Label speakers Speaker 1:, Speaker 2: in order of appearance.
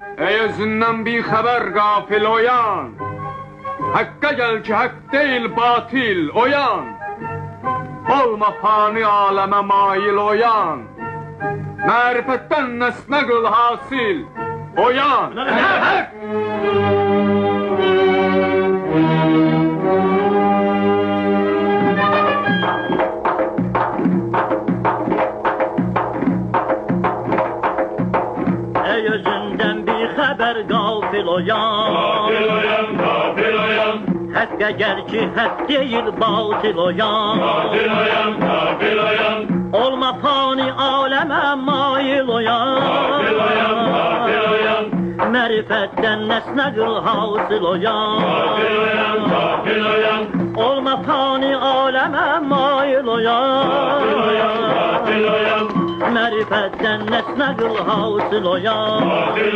Speaker 1: Ey özünden bir haber gafil oyan, hakka gel ki hak değil batil oyan, olma fani aleme mail oyan, marifetten nesne kıl hasil oyan.
Speaker 2: Ey özünden bir haber gafil oyan,
Speaker 3: Gafil oyan, gafil oyan,
Speaker 2: hakka gel ki hak değil batil oyan,
Speaker 3: gafil oyan, gafil oyan,
Speaker 2: olma fani aleme mail oyan,
Speaker 3: gafil oyan, gafil oyan,
Speaker 2: marifetten nesne kıl hasıl oyan,
Speaker 3: gafil oyan, gafil oyan,
Speaker 2: olma fani aleme mail oyan,
Speaker 3: gafil oyan, gafil oyan,
Speaker 2: marifetten nesne kıl hasıl oyan.
Speaker 3: gafil